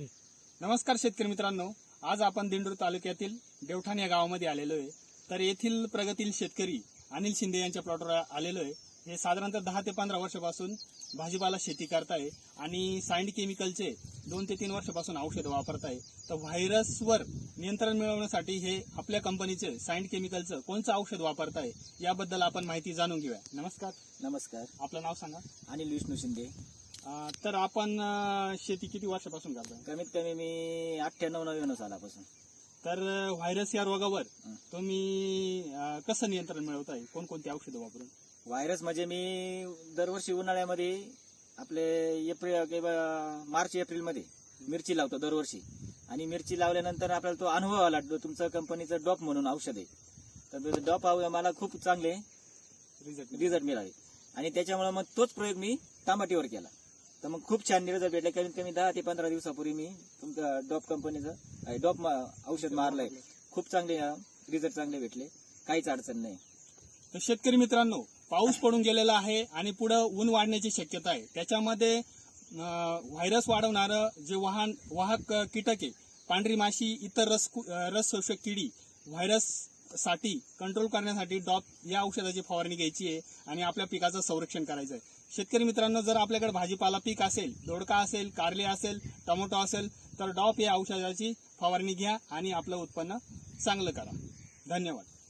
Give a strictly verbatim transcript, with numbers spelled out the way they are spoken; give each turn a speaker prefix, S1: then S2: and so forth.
S1: नमस्कार शेतकरी मित्रांनो, आज आपण दिंडोरी तालुक्यातील देवठाण या गावामध्ये आलेलो आहे। तर येथील प्रगतील शेतकरी अनिल शिंदे यांच्या प्लॉटवर आलेलो आहे। हे साधारणतः दहा ते पंधरा वर्षापासून भाजीपाला शेती करताय आणि साइंड केमिकलचे दोन ते तीन वर्षापासून औषध वापरताय। तर व्हायरसवर नियंत्रण मिळवण्यासाठी हे आपल्या कंपनीचे साइंड केमिकलचं कोणतं औषध वापरताय याबद्दल आपण माहिती जाणून घेऊया। नमस्कार।
S2: नमस्कार,
S1: आपलं नाव सांगा।
S2: अनिल विष्णू शिंदे।
S1: अं, तर आपण अं, शेती किती वर्षापासून करताय?
S2: कमीत कमी मी अठ्ठ्याण्णव नव्याण्णव सालापासून।
S1: तर व्हायरस या रोगावर
S2: हं.
S1: तुम्ही अं, कसं नियंत्रण मिळवताय? कोणकोणती औषधं वापरून?
S2: व्हायरस म्हणजे मी दरवर्षी उन्हाळ्यामध्ये आपले एप्रिल किंवा मार्च एप्रिल मध्ये मिरची लावतो दरवर्षी। आणि मिरची लावल्यानंतर आपल्याला तो अनुभव आला, तुमचं कंपनीचं डॉप म्हणून औषध आहे, तर डॉप मला खूप चांगले
S1: रिझल्ट
S2: रिझल्ट मिळाले। आणि त्याच्यामुळे मग तोच प्रयोग मी टमाटीवर केला, तर मग खूप छान रिझल्ट भेटले। कमीत कमी दहा ते पंधरा दिवसापूर्वी मी तुमचं डॉप कंपनीचं डॉप औषध मारलंय, खूप चांगले रिझल्ट चांगले भेटले, काहीच अडचण नाही।
S1: तर शेतकरी मित्रांनो, पाऊस पडून गेलेला आहे आणि पुढे ऊन वाढण्याची शक्यता आहे। त्याच्यामध्ये व्हायरस वाढवणारं जे वाहन वाहक कीटक आहे, पांढरी माशी, इतर रस रस शोषक किडी, व्हायरस साठी कंट्रोल करण्यासाठी डॉप या औषधाची फवारणी घ्यायची आहे आणि आपल्या पिकाचं संरक्षण करायचं आहे। शेतकरी मित्रांनो, जर आपल्याकडे भाजीपाला पीक असेल, दोडका असेल, कारले असेल, टोमॅटो असेल, तर डॉप या औषधाची फवारणी घ्या आणि आपलं उत्पन्न चांगलं करा। धन्यवाद।